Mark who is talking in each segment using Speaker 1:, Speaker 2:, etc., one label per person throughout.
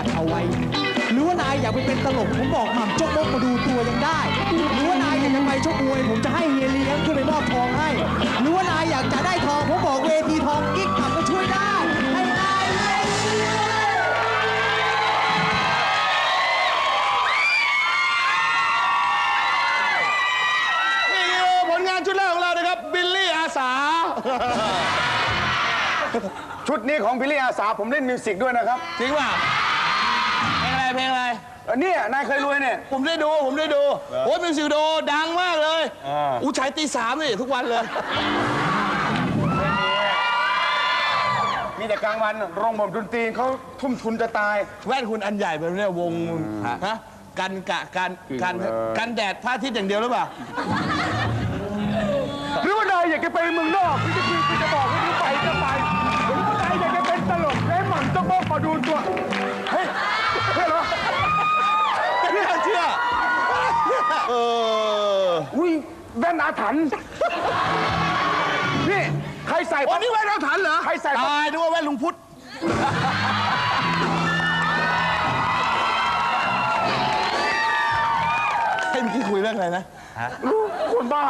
Speaker 1: ดเอาไว้หรือว่านายอยากไปเป็นตลกผมบอกหม่ำจกมกมาดูตัวยังได้หรือว่านายอยากจะไปชกมวยผมจะให้เฮียเลี้ยงขึ้นไปมอบทองให้หรือว่านายอยากจะได้ทองผมบอกเวทีทองกิ๊กหม่ำก็ช่วยได้ให้นายเลย
Speaker 2: นี่คือผลงานชุดแรกของเรานะครับบิลลี่อาสา
Speaker 3: ชุดนี้ของพิลลี่อาสาผมเล่นมิวสิกด้วยนะครับ
Speaker 2: จริงป่ะเพลงอะไร
Speaker 3: เนี่ยนายเคยรวยเนี่ย
Speaker 2: ผมได้ดูโอ้ยมิวสิกวิดีโอดังมากเลยฉายตี 3นี่ทุกวันเลย
Speaker 3: มีแต่กลางวันโรงบ่มดนตรีเขาทุ่มทุนจะตาย
Speaker 2: แว่นคุณอันใหญ่แบบนี้วงฮะกันแดดพระอาทิตย์อย่างเดียวหรือเปล่า
Speaker 3: หรือว่านายอยากจะไปเมืองนอกพี่จะบอกว่าไปหรือว่านายอยากจะเป็นตลกแล้วหม่ำต้องมาดูตัวเฮ้ยเหรอ
Speaker 2: ไม่น่าเชื่อ
Speaker 3: อุ้ยแว่นอาถรรพ์นี่ใครใส่
Speaker 2: วันนี้แว่นอาถรรพ์เหรอ
Speaker 3: ใครใส่
Speaker 2: ตายนึกว่าแว่นลุงพุทธให้เมื่อกี้คุยเรื่องอะไรนะ
Speaker 3: คนบ้า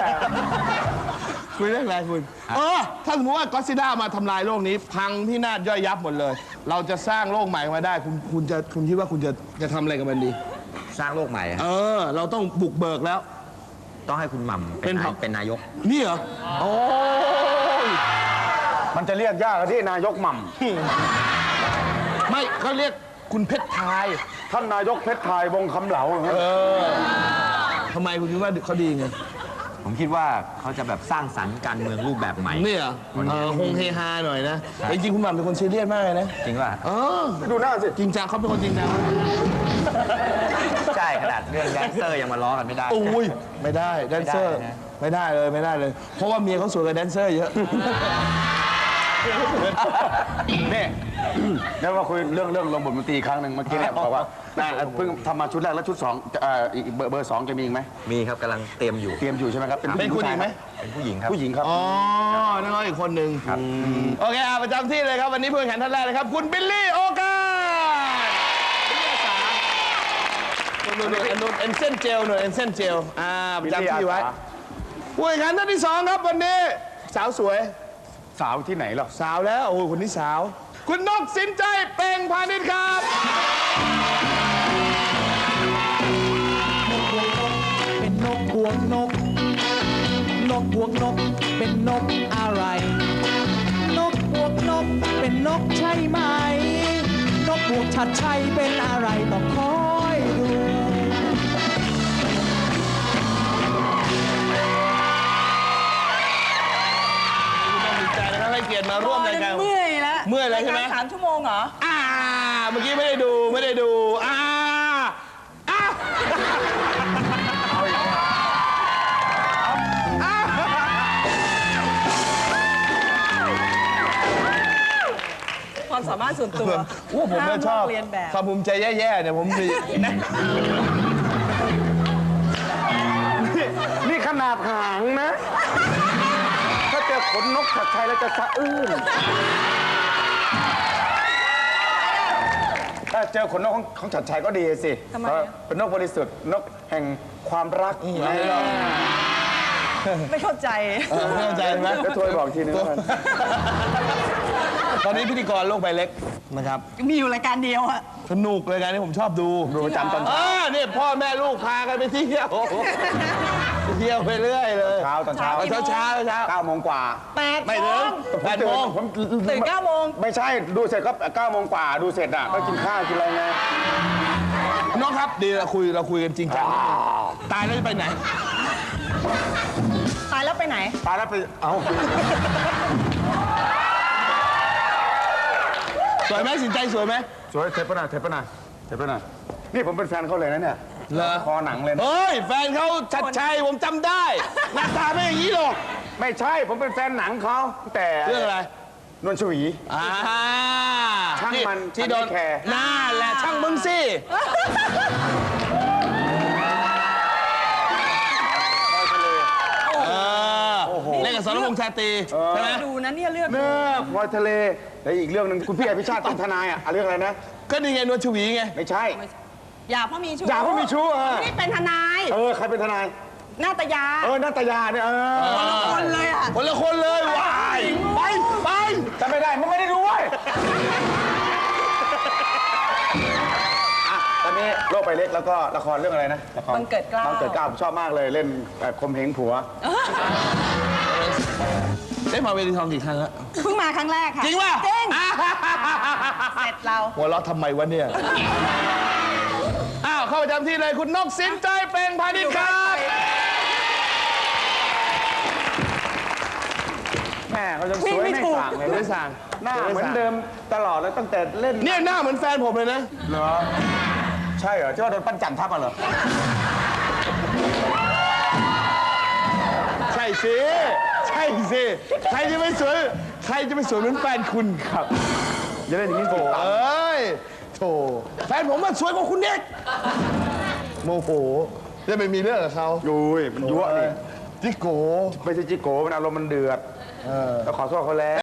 Speaker 2: คุยเรื่องอะไรคุณถ้าสมมติว่าก็อดซิลล่ามาทำลายโลกนี้พังพินาศย่อยยับหมดเลย เราจะสร้างโลกใหม่มาได้คุณคิดว่าคุณจะทำอะไรกับมันดี
Speaker 4: สร้างโลกใหม่อะ
Speaker 2: เราต้องบุกเบิกแล้ว
Speaker 4: ต้องให้คุณหม่ำเป็นนายก
Speaker 2: นี่เหรอโอ้
Speaker 3: ยมันจะเรียกยากที่นายกหม่
Speaker 2: ำไม่เขาเรียกคุณเพชรไทย
Speaker 3: ท่านนายกเพชรไทยวงคำเหลา
Speaker 2: ทำไมคุณคิดว่าเขาดีไง
Speaker 4: ผมคิดว่าเขาจะแบบสร้างสรรค์การเมืองรูปแบบใหม่
Speaker 2: นี่เหรอฮงเฮฮาหน่อยนะจริงๆคุณหม่ำเป็นคนซีเรียสมากเลยนะ
Speaker 4: จริงป่ะ
Speaker 3: ดูหน้าสิ
Speaker 2: จริงจังเขาเป็นคนจริงจัง
Speaker 4: ใช่ขนาดเรื่องแดนเซอร์ยังมาล้อกันไม่ได้
Speaker 2: โอ้ยไม่ได้แดนเซอร์ไม่ได้เลยเพราะว่าเมียเขาสวยกว่าแดนเซอร์เยอะ
Speaker 3: นี่แล้วมาคุยเรื่องลงบทดนตรีครั้งหนึ่งเมื่อกี้เนี่ยบอกว่าเพิ่งทำมาชุดแรกแล้วชุด2อีกเบอร์ 2จะมีอีกไหม
Speaker 4: มีครับกำลังเตรียมอยู่
Speaker 3: ใช่ไหมครับ
Speaker 2: เป็นผู้หญิงไหม
Speaker 4: เป็นผู้หญิงครับ
Speaker 3: ผู้หญิงครับ
Speaker 2: นั่นก็อีกคนหนึ่งโอเคประจำที่เลยครับวันนี้ผู้แข่งขันท่านแรกนะครับคุณบิลลี่โอกาสหน่วยเอ็นเซนเจลประจำที่ไว้ผู้แข่งขันท่านที่2ครับวันนี้สาวสวย
Speaker 3: สาวที่ไหนหรอ
Speaker 2: สาวแล้วโอ้คนนี้สาวคุณนกสินใจเป่งพาณิชย์ครับ
Speaker 1: เป็นนกบวกนกบวกนกเป็นนกอะไรนกบวกนกเป็นนกใช่ไหมนกบวกชัดชัยเป็นอะไรต้องคอยดู
Speaker 2: ให้เกียรติมาร่วมรายการ
Speaker 5: เมื่อยแล้ว
Speaker 2: ใช่ไหม
Speaker 5: 3 ชั่วโมงเหรอ
Speaker 2: เมื่อกี้ไม่ได้ดู
Speaker 5: ความสามารถส่วนตัว
Speaker 2: ผมไม่ชอบความภูมิใจแย่ๆเนี่ยผม
Speaker 3: นี่ขนาดหางนะถ้าเจอขนนกชัดชัยแล้วจะสะอื้นถ้าเจอขนนกของชัดชัยก็ดีสิเป็นนกบริสุทธิ์นกแห่งความรัก
Speaker 5: ไม่เข้าใจ
Speaker 2: ไหม
Speaker 3: ก็ช่วยบอกทีนึง
Speaker 2: ตอนนี้พิธีกรโลกใบเล็กนะครับ
Speaker 5: มีอยู่รายการเดียวอะ
Speaker 2: สนุกรายการนี้ผมชอบดู
Speaker 3: ประจำตอนเช้า
Speaker 2: นี่พ่อแม่ลูกพากันไปเที่ยวไปเรื่อยเลย
Speaker 3: ตอนเช้า9 โมงกว่า
Speaker 2: ไม่ถึง8 โมง
Speaker 5: ผมตื่น9 โมง
Speaker 3: ไม่ใช่ดูเสร็จก็9 โมงกว่าดูเสร็จอ่ะก็กินข้าวกินอะไรไง
Speaker 2: น้องครับดีเราคุยกันจริงจังตายแล้วจะไปไหน
Speaker 5: ตายแล้วไปไหน
Speaker 3: ตายแล้วไป
Speaker 2: สวยไหมสินใจสวยไหม
Speaker 3: สวยเทปนานี่ผมเป็นแฟนเขาเลยนะเนี่ยคอหนังเลย
Speaker 2: เฮ้ยแฟนเขาชัดชัยผมจำได้หน้าตาไม่อย่างนี้หรอก
Speaker 3: ไม่ใช่ผมเป็นแฟนหนังเขาแต่
Speaker 2: เรื่องอะไร
Speaker 3: นวลชวีช่างมัน
Speaker 2: ที่โดน
Speaker 3: แคร์
Speaker 2: น่าแหละช่างมึงสิเล่นกับสรพวงชาตรีใช่ไหม
Speaker 5: ดูนะเนี่ยเลือก
Speaker 3: เนื้อพลอยทะเลแล้วอีกเรื่องหนึ่งคุณพี่อภิชาติเป็นทนายอ่ะเรื่องอะไรนะ
Speaker 2: ก็นี่ไงนวลชวีไง
Speaker 3: ไม่ใช่
Speaker 5: อย่าเพราะมีชู้
Speaker 3: อย่าเพราะมีชู้
Speaker 5: นี่เป็นทนาย
Speaker 3: ใครเป็นทนาย
Speaker 5: นาตยา
Speaker 3: นัตยาเนี่ย
Speaker 5: คนเลยอ่ะ
Speaker 2: คนละคนเลยว้ายไป
Speaker 3: จำไม่ได้มันไม่ได้ดูเว้ยตอนนี้โลกใบเล็กแล้วก็ละครเรื่องอะไรนะละคร
Speaker 5: บังเกิดเกล้า
Speaker 3: บังเกิดเกล้าผมชอบมากเลยเล่นคมเหงผัว
Speaker 2: ได้มาเวทีทองกี่ครั้งแล้ว
Speaker 5: เพิ่งมาครั้งแรกค่ะ
Speaker 2: จริงป่ะ
Speaker 5: จริงเสร็จเรา
Speaker 2: หัวเราะทำไมวะเนี่ย อ้าว เข้าประจำที่เลยคุณนกสินใจเปล่งพาณิชย์ครับ
Speaker 3: แม่เขาจะสวยไม่สั่างเลย
Speaker 2: ไม่สั่ง
Speaker 3: หน้าเหมือนเดิมตลอดเลยตั้งแต่เล่น
Speaker 2: เนี่ยหน้าเหมือนแฟนผมเลยนะ
Speaker 3: เหรอใช่เหรอที่ว่าโดนปั้นจันทับอ่ะเหรอ
Speaker 2: ใช่สิ ใช่สิ ใครจะไม่สวย ใครจะไม่สวยเหมือนแฟนคุณครับ
Speaker 3: อย่าเล่นอย่างนี้โถ
Speaker 2: เอ้ยโถแฟนผมมันสวยกว่าคุณเด็กโมโหจะไปมีเรื่องกับเขา
Speaker 3: อุ้ยมันยั่วนี่
Speaker 2: จิโก
Speaker 3: ไม่ใช่จิโก้มันอารมณ์มันเดือดแล้วขอโทษเขาแล้ว